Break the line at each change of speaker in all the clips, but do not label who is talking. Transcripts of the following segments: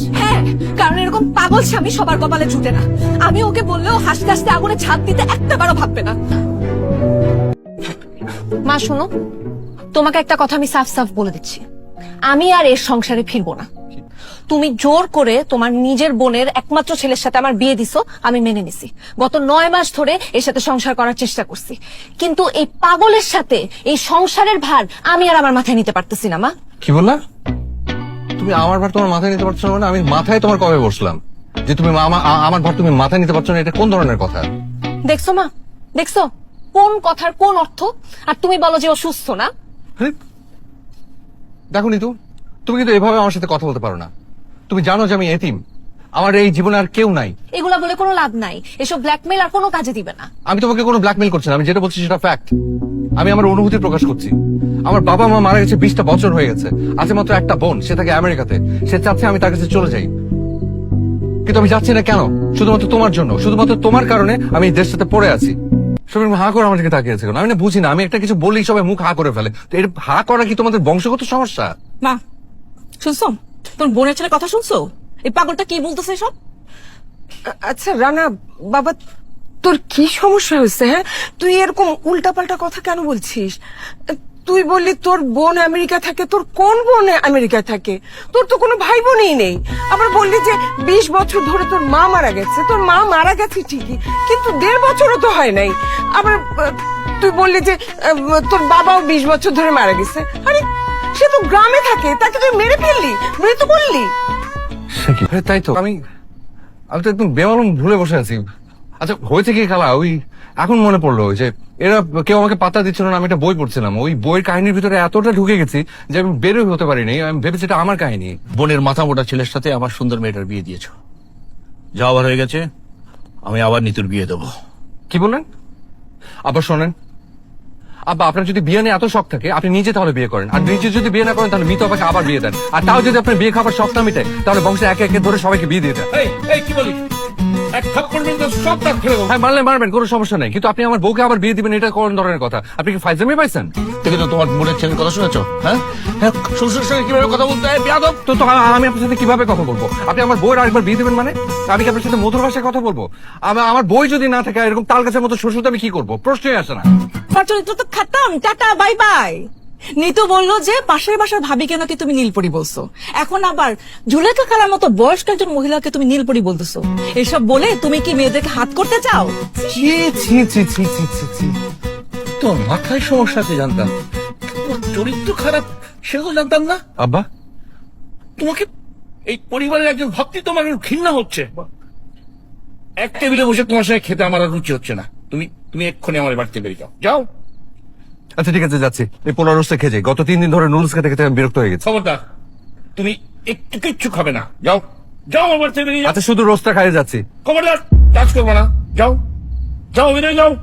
হ্যাঁ, কারণ এরকম পাগল স্বামী সবার কপালে জুটে না। আমি ওকে বললেও হাসতে হাসতে আগুনে ঝাঁপ দিতে একটাবারও ভাববে না। মা শোনো, তোমাকে একটা কথা আমি সাফ সাফ বলে দিচ্ছি, আমি আর এর সংসারে ফিরবো না। তুমি জোর করে তোমার নিজের বোনের একমাত্র ছেলের সাথে আমার বিয়ে দিছো, আমি মেনে নিছি। গত 9 মাস ধরে এর সাথে সংসার করার চেষ্টা করছি, কিন্তু এই পাগলের সাথে এই সংসারের ভার আমি আর আমার মাথায় নিতে পারতেছি না। মা
কি বললা? তুমি আমার ভার তোমার মাথায় নিতে পারছো না? মানে আমি মাথায় তোমার কবে বসলাম যে তুমি আমার ভার তুমি মাথায় নিতে পারছো না? এটা কোন ধরনের কথা?
দেখছো মা, দেখছো কোন কথার কোন অর্থ? আর তুমি বলো যে ও সুস্থ না।
দেখো নিতু, তুমি কিন্তু এভাবে আমার সাথে কথা বলতে পারো না। তুমি জানো যে আমি এতিম, আমার এই জীবনে আর কেউ নাই।
এগুলা বলে কোনো লাভ নাই, এসব ব্ল্যাকমেল আর কোনো কাজে দিবে না।
আমি তোমাকে কোনো ব্ল্যাকমেল করছি না, আমি যেটা বলছি সেটা ফ্যাক্ট। আমি আমার অনুভূতি প্রকাশ করছি। আমার বাবা মা মারা গেছে 20টা বছর হয়ে গেছে, আছে মাত্র একটা বোন, সে থাকে আমেরিকাতে। সে চাচ্ছে আমি তার কাছে চলে যাই, কিন্তু আমি যাচ্ছি না। কেন? শুধুমাত্র তোমার জন্য, শুধুমাত্র তোমার কারণে আমি এই দেশটাতে পড়ে আছি। সবাই হা করে আমার দিকে তাকিয়ে আছে কেন? আমি না বুঝি না, আমি একটা কিছু বললেই সবাই মুখ হা করে ফেলে। তো এটা হা করা কি তোমাদের বংশগত সমস্যা?
মা শুনছো, তোর বোনের ছেলে কথা শুনছো? এই পাগলটা কি বলতেছে সব?
আচ্ছা রানা বাবা, তোর কি সমস্যা হয়েছে? হ্যাঁ, তুই এরকম উল্টাপাল্টা কথা কেন বলছিস? তুই বললি তোর বোন আমেরিকা থাকে। তোর কোন বোন আমেরিকায় থাকে? তোর তো কোনো ভাই বোনই নেই। আবার বললি যে 20 বছর ধরে তোর মা মারা গেছে। তোর মা মারা গেছে ঠিকই, কিন্তু 1.5 বছরও তো হয় নাই। আবার তুই বললি যে তোর বাবাও 20 বছর ধরে মারা গেছে। আরে সে তো গ্রামে থাকে, তাকে তুই মেরে ফেললি, মৃত্যু বললি।
তাই তো, আমি তো একদম বেমালুম ভুলে বসে আছি। আচ্ছা হয়েছে কি খালা, ওই এখন মনে পড়লো যে এরা কেউ আমাকে পাত্তা দিচ্ছিল না। আমি একটা বই পড়ছিলাম, ওই বইয়ের কাহিনীর ভিতরে এতটা ঢুকে গেছি যে আমি বেরোই হতে পারিনি। আমি ভেবেছি এটা আমার কাহিনী।
বোনের মাথা মোটা ছেলের সাথে আমার সুন্দর মেয়েটার বিয়ে দিয়েছ, যা আবার হয়ে গেছে। আমি আবার নিতুর বিয়ে দেবো।
কি বললেন? আবার শোনেন আব্বা, আপনার যদি বিয়ে নিয়ে এত শখ থাকে আপনি নিজে তাহলে বিয়ে করেন, আর নিজে যদি বিয়ে না করেন তাহলে মিতু আপাকে আবার বিয়ে দেন। আর তাও যদি আপনার বিয়ে খাবার শখ না মিটে তাহলে বংশে একে একে ধরে সবাইকে বিয়ে দিয়ে দেন।
কি বলি, এক থাপ্পড় মেরে সব দাঁত ফেলে দেবো।
হ্যাঁ মারলে মারবেন, কোনো সমস্যা নেই, কিন্তু আপনি আমার বউকে আবার বিয়ে দিবেন, এটা কোন ধরনের কথা? আপনি কি ফাইজলামি পাইছেন?
দেখে তো তোমার বোনের ছেলের কথা শুনেছো? হ্যাঁ, শ্বশুরের সঙ্গে কিভাবে কথা বলতে হয় বেয়াদব।
তো আমি আপনার সাথে কিভাবে কথা বলবো? আপনি আমার বউয়ের আরেকবার বিয়ে দিবেন মানে? আমি কি আপনার সাথে মধুর ভাষায় কথা বলবো? আমার বই যদি না থাকে এরকম তাল গাছের মতো শ্বশুর, আমি কি করবো? প্রশ্নই আসে না।
তার চরিত্র তো খাতাম, টাটা বাই বাই। নিতু বললো যে পাশের বাসার ভাবিকে নাকি তুমি নীলপরি বলছো, এখন আবার জুলেখা খালার মতো বয়স্ক একজন মহিলাকে তুমি নীলপরি বলতেছো। এসব বলে তুমি কি মেয়েদেরকে হাত করতে চাও?
ছি ছি ছি ছি ছি ছি ছি, তোর মাথায় সমস্যা আছে জানতাম, তোর চরিত্র খারাপ সেগুলো জানতাম না।
আব্বা
তোমাকে এই পরিবারের একজন ভক্তি তোমার ঘৃণা হচ্ছে। এক টেবিলে বসে তোমার সঙ্গে খেতে আমার আর রুচি হচ্ছে না। তুমি তুমি এক্ষুনি আমার বাড়িতে বেরিয়ে যাও, যাও।
আচ্ছা ঠিক আছে, যাচ্ছি। এই পোলা রোস্টে খেয়ে যাই, গত 3 দিন ধরে নুডলস খেতে খেতে আমি বিরক্ত হয়ে গেছি।
খবরদার, তুমি একটু কিচ্ছু খাবে না, যাও যাও আমার বাড়িতে বেরিয়ে যাও।
আচ্ছা শুধু রোস্টটা খাইয়ে যাচ্ছি।
খবরদার কাজ করবো না, যাও যাও, বেরিয়ে যাও।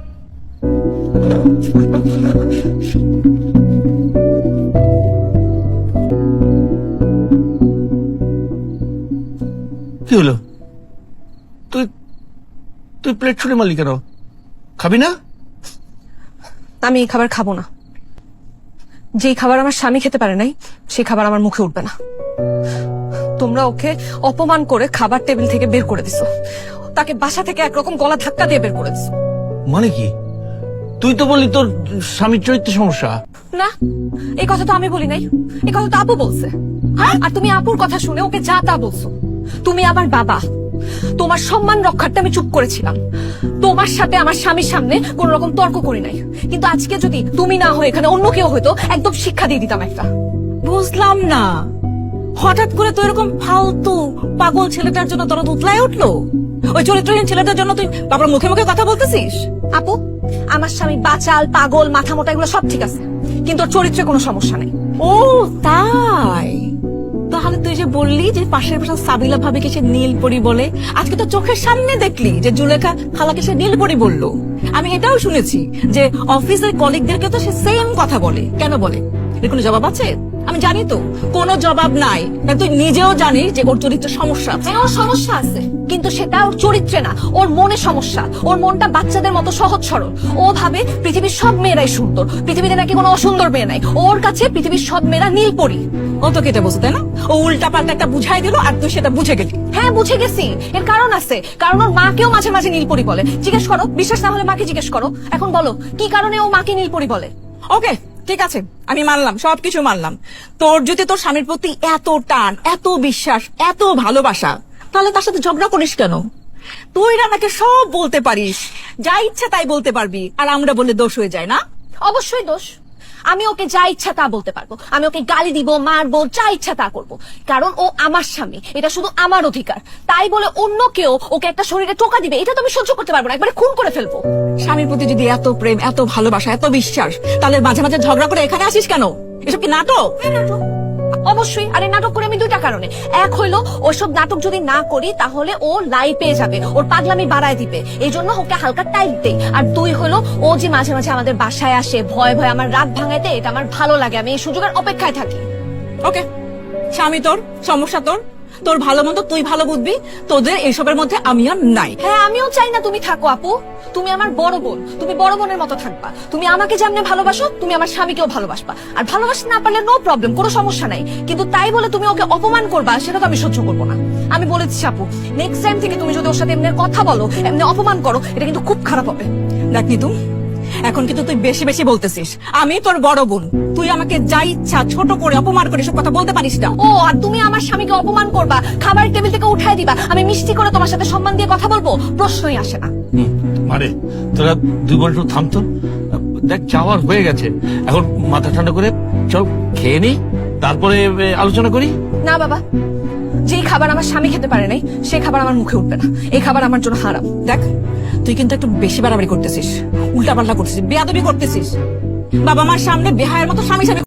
কি হলো? তুই তুই প্লেট ছুঁড়ে মারলি কেন? খাবি না?
আমি এই খাবার খাবো না। যেই খাবার আমার স্বামী খেতে পারে নাই সেই খাবার আমার মুখে উঠবে না। তোমরা ওকে অপমান করে খাবার টেবিল থেকে বের করে দিছো, তাকে বাসা থেকে একরকম গলা ধাক্কা দিয়ে বের করে দিছো।
মানে কি? তুই তো বললি তোর স্বামীর চরিত্রের সমস্যা।
না, এই কথা তো আমি বলি নাই, এই কথা তো আপু বলছে। আর তুমি আপুর কথা শুনে ওকে যা তা বলছো। তুমি আমার বাবা, তোমার সম্মান রক্ষার্থে আমি চুপ করেছিলাম। তোমার সাথে আমার স্বামীর সামনে কোন রকম তর্ক করি নাই, কিন্তু আজকে যদি তুমি না হয়ে এখানে অন্য কেউ হয়তো একদম শিক্ষা দিয়ে দিতাম একটা।
বুঝলাম না, হঠাৎ করে তো এরকম ফালতু পাগল ছেলেটার জন্য দরদ উতলায় উঠলো। ওই চরিত্রহীন ছেলেটার জন্য তুই বাবার মুখে মুখে কথা বলতেছিস?
আপু, আমার স্বামী বাচাল, পাগল, মাথা মোটা, এগুলো সব ঠিক আছে, কিন্তু ওর চরিত্রে কোনো সমস্যা নেই।
ও তাই? তাহলে তুই যে বললি যে পাশের বাসার সাবিলা ভাবিকে সে নীলপরি বলে, আজকে তো চোখের সামনে দেখলি যে জুলেখা খালাকে সে নীলপরি বললো। আমি এটাও শুনেছি যে অফিসের কলিগদেরকে তো সে সেম কথা বলে। কেন বলে? এর কোনো জবাব আছে? আমি জানি তো কোনো জবাব নাই, কারণ তুই নিজেও জানিস যে ওর চরিত্র সমস্যা আছে।
হ্যাঁ, ওর সমস্যা আছে, কিন্তু সেটা ওর চরিত্রে না, ওর মনে সমস্যা। ওর মনটা বাচ্চাদের মতো সহজ সরল। ও ভাবে পৃথিবীর সব মেয়েরাই সুন্দর, পৃথিবীতে নাকি কোনো অসুন্দর মেয়ে নাই। ওর কাছে পৃথিবীর সব মেয়েরা নীলপরি।
ও তো কেটে বসে, তাই না? ও উল্টা পাল্টা একটা বুঝাই দিল আর তুই সেটা বুঝে গেলি।
হ্যাঁ, বুঝে গেছি। এর কারণ আছে, কারণ ওর মাকেও মাঝে মাঝে নীলপরি বলে। জিজ্ঞেস করো, বিশ্বাস না হলে মাকে জিজ্ঞেস করো। এখন বলো কি কারণে ও মাকে নীলপরি বলে।
ওকে, ঠিক আছে, আমি মানলাম, সবকিছু মানলাম। তোর যদি তোর স্বামীর প্রতি এত টান, এত বিশ্বাস, এত ভালোবাসা, তাহলে তার সাথে ঝগড়া করিস কেন? তুই রানাকে সব বলতে পারিস, যা ইচ্ছা তাই বলতে পারবি, আর আমরা বলে দোষ হয়ে যায় না?
অবশ্যই দোষ। আমি ওকে যা ইচ্ছা তা বলতে পারবো, আমি ওকে গালি দিব, মারবো, যা ইচ্ছা তা করবো, কারণ ও আমার স্বামী, এটা শুধু আমার অধিকার। তাই বলে অন্য কেউ ওকে একটা শরীরে টোকা দিবে, এটা তো আমি সহ্য করতে পারবো না, একবারে খুন করে ফেলবো।
স্বামীর প্রতি যদি এত প্রেম, এত ভালোবাসা, এত বিশ্বাস, তাহলে মাঝে মাঝে ঝগড়া করে এখানে আসিস কেন? এসব কি নাটক?
অবশ্যই। আরে নাটক করে আমি দুইটা কারণে। এক হইলো, ওইসব নাটক যদি না করি তাহলে ও লাই পেয়ে যাবে, ওর পাগলামি বাড়ায় দিবে, এই জন্য ওকে হালকা টাইট দেই। আর দুই হলো, ও যে মাঝে মাঝে আমাদের বাসায় আসে ভয় ভয় আমার রাত ভাঙাইতে, এটা আমার ভালো লাগে, আমি এই সুযোগের অপেক্ষায় থাকি।
ওকে, স্বামী তোর, সমস্যা তোর, তোর ভালো মন্দ তুই ভালো বুঝবি, তোদের এসবের মধ্যে আমি আর নাই।
হ্যাঁ, আমিও চাই না তুমি থাকো আপু। তুমি আমার বড় বোন, তুমি বড় বোনের মতো থাকবা। তুমি আমাকে যেমনে ভালোবাসো, তুমি আমার স্বামীকেও ভালোবাসবা। আর ভালোবাসতে না পারলে নো প্রবলেম, কোনো সমস্যা নাই, কিন্তু তাই বলে তুমি ওকে অপমান করবা, সেটা তো আমি সহ্য করবো না। আমি বলেছি আপু, নেক্সট টাইম থেকে তুমি যদি ওর সাথে এমনি কথা বলো, এমনি অপমান করো, এটা কিন্তু খুব খারাপ হবে।
দেখ নিতু, এখন কিন্তু তুই বেশি বেশি বলতেছিস। আমি তোর বড় বোন, তুই আমাকে যা ইচ্ছা ছোট করে অপমান করে সব কথা বলতে পারিস না।
ও, আর তুমি আমার স্বামীকে অপমান করবা, খাবার টেবিল থেকে উঠাই দিবা, আমি মিষ্টি করে তোমার সাথে সম্মান দিয়ে কথা বলবো, প্রশ্নই আসে না।
মানে তোরা দুই বোন একটু থামতো। দেখ, যাওয়ার হয়ে গেছে, এখন মাথা ঠান্ডা করে চল খেয়ে নি, তারপরে আলোচনা করি।
না বাবা, যেই খাবার আমার স্বামী খেতে পারে নাই, সেই খাবার আমার মুখে উঠবে না। এই খাবার আমার জন্য হারাম।
দেখ, তুই কিন্তু একটু বেশি বাড়াবাড়ি করতেছিস, উল্টা পাল্টা করতেছিস, বেয়াদবি করতেছিস। বাবা মার সামনে বেহায়ের মতো স্বামী স্বামী